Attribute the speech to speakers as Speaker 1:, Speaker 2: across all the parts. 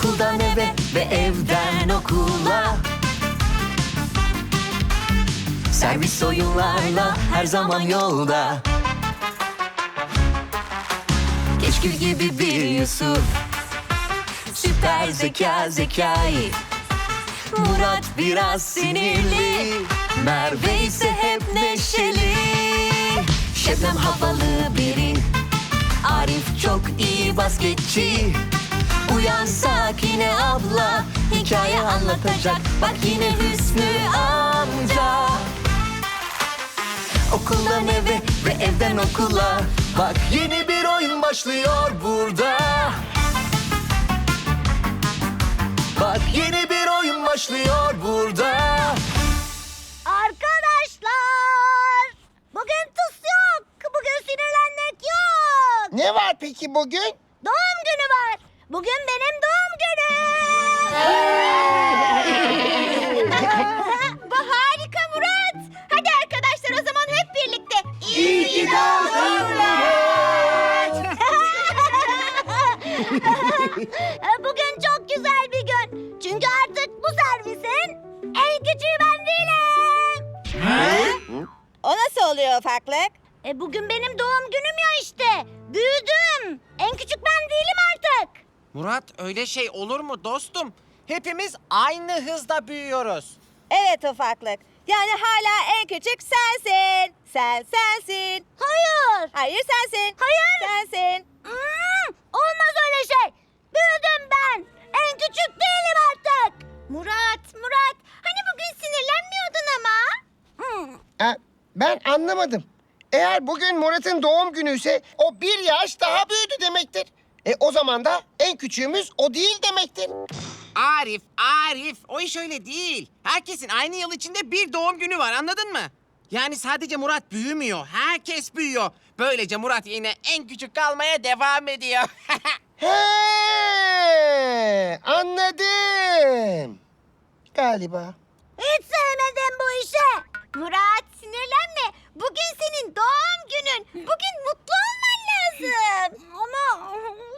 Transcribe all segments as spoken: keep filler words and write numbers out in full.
Speaker 1: Okuldan eve ve evden okula. Servis oyunlarla her zaman yolda. Keşkül gibi bir Yusuf, süper zeka Zekai. Murat biraz sinirli, Merve ise hep neşeli. Şebnem havalı biri, Arif çok iyi basketçi. Uyansak yine abla, hikaye anlatacak. Bak yine Hüsnü amca. Okuldan eve ve evden okula. Bak yeni bir oyun başlıyor burada. Bak yeni bir oyun başlıyor burada.
Speaker 2: Arkadaşlar, bugün tuz yok. Bugün sinirlenmek yok.
Speaker 3: Ne var peki bugün?
Speaker 2: Doğum günü var. Bugün benim doğum günüm. Bu harika Murat. Hadi arkadaşlar o zaman hep birlikte. İyi ki doğdun Murat. Bugün çok güzel bir gün. Çünkü artık bu servisin en küçüğü ben değilim.
Speaker 4: O nasıl oluyor ufaklık?
Speaker 2: E bugün benim doğum günüm ya işte. Büyüdüm. En küçük ben değilim artık.
Speaker 5: Murat, öyle şey olur mu dostum? Hepimiz aynı hızda büyüyoruz.
Speaker 4: Evet ufaklık. Yani hala en küçük sensin. Sen sensin.
Speaker 2: Hayır.
Speaker 4: Hayır sensin.
Speaker 2: Hayır.
Speaker 4: Sensin.
Speaker 2: Hmm, olmaz öyle şey. Büyüdüm ben. En küçük değilim artık. Murat, Murat. Hani bugün sinirlenmiyordun ama. Hmm.
Speaker 3: Ha, ben anlamadım. Eğer bugün Murat'ın doğum günü ise o bir yaş daha büyüdü demektir. E o zaman da en küçüğümüz o değil demektir.
Speaker 5: Arif, Arif, o iş öyle değil. Herkesin aynı yıl içinde bir doğum günü var, anladın mı? Yani sadece Murat büyümüyor, herkes büyüyor. Böylece Murat yine en küçük kalmaya devam ediyor.
Speaker 3: He, anladım. Galiba.
Speaker 2: Hiç sevmedim bu işi. Murat sinirlenme. Bugün senin doğum günün. Bugün mutlu olman lazım. Ama...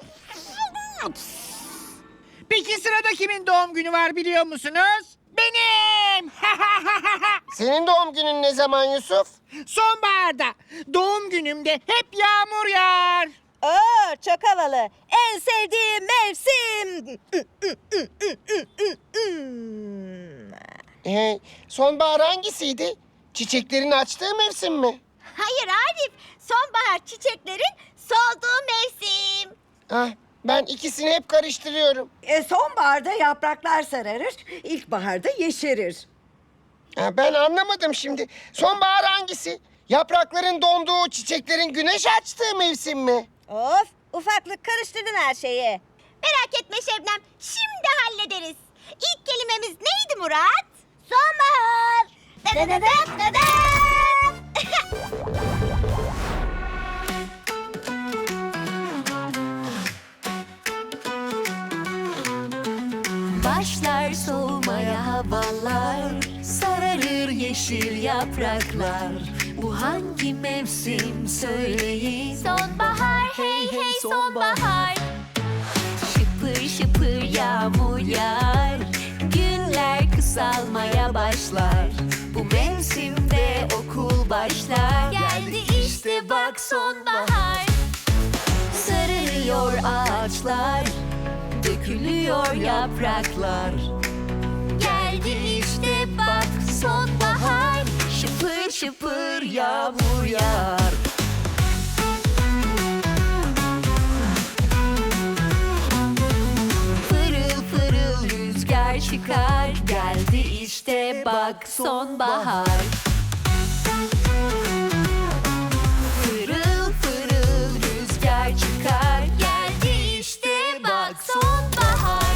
Speaker 6: Peki sırada kimin doğum günü var biliyor musunuz? Benim!
Speaker 3: Senin doğum günün ne zaman Yusuf?
Speaker 6: Sonbaharda. Doğum günümde hep yağmur yağar.
Speaker 4: Oo, çok havalı. En sevdiğim mevsim.
Speaker 3: Ee, sonbahar hangisiydi? Çiçeklerin açtığı mevsim mi?
Speaker 2: Hayır Arif. Sonbahar çiçeklerin solduğu mevsim.
Speaker 3: Ah, ben ikisini hep karıştırıyorum.
Speaker 7: E, sonbaharda yapraklar sararır, ilkbaharda yeşerir.
Speaker 3: Ha, ben anlamadım şimdi. Sonbahar hangisi? Yaprakların donduğu, çiçeklerin güneş açtığı mevsim mi?
Speaker 4: Of, ufaklık karıştırdın her şeyi.
Speaker 2: Merak etme Şebnem. Şimdi hallederiz. İlk kelimemiz neydi Murat? Sonbahar. Dadadadat dadat.
Speaker 1: Başlar soğumaya havalar, sararır yeşil yapraklar. Bu hangi mevsim söyleyin?
Speaker 2: Sonbahar, hey hey sonbahar.
Speaker 1: Şıpır şıpır yağmur yağar, günler kısalmaya başlar. Bu mevsimde okul başlar.
Speaker 2: Geldi işte bak sonbahar.
Speaker 1: Sararıyor ağaçlar, dökülüyor yapraklar. Geldi işte bak sonbahar, şıpır şıpır yağmur yağar. Fırıl fırıl rüzgar çıkar, geldi işte bak sonbahar. Fırıl fırıl rüzgar çıkar, geldi işte bak sonbahar.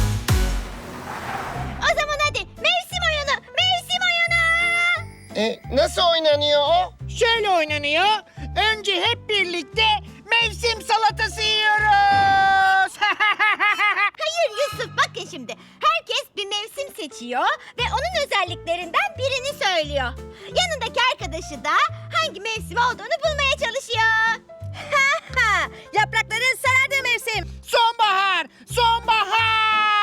Speaker 2: O zaman hadi mevsim oyunu, mevsim oyunu.
Speaker 3: E, nasıl oynanıyor o?
Speaker 6: Şöyle oynanıyor. Önce hep birlikte mevsim salatası yiyoruz.
Speaker 2: Hayır Yusuf bakın şimdi. Herkes bir mevsim seçiyor ve onun özelliklerinden birini söylüyor. Yanındaki arkadaşı da hangi mevsim olduğunu bulmaya çalışıyor.
Speaker 4: Yaprakların sarardığı mevsim.
Speaker 6: Sonbahar! Sonbahar!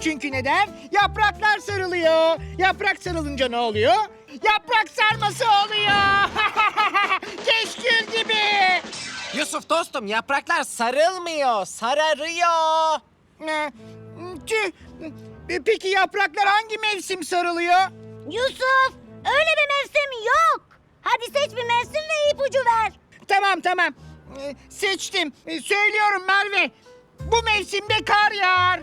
Speaker 6: Çünkü neden? Yapraklar sarılıyor. Yaprak sarılınca ne oluyor? Yaprak sarması oluyor. Keşkül gibi.
Speaker 5: Yusuf dostum, yapraklar sarılmıyor, sararıyor.
Speaker 6: Ee, Tüh. Peki yapraklar hangi mevsim sarılıyor?
Speaker 2: Yusuf, öyle bir mevsim yok. Hadi seç bir mevsim ve ipucu ver.
Speaker 6: Tamam tamam. Ee, Seçtim. Ee, Söylüyorum Merve. Bu mevsimde kar yağar.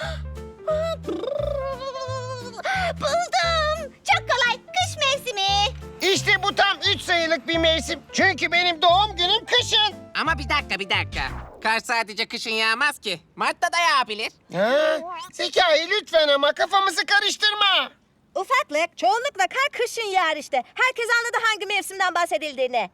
Speaker 2: Buldum. Çok kolay. Kış mevsimi.
Speaker 3: İşte bu tam üç sayılık bir mevsim. Çünkü benim doğum günüm kışın.
Speaker 5: Ama bir dakika, bir dakika. Kar sadece kışın yağmaz ki. Mart'ta da yağabilir.
Speaker 3: Ha? Zekai lütfen ama kafamızı karıştırma.
Speaker 4: Ufaklık, çoğunlukla kar kışın yağar işte. Herkes anladı hangi mevsimden bahsedildiğini.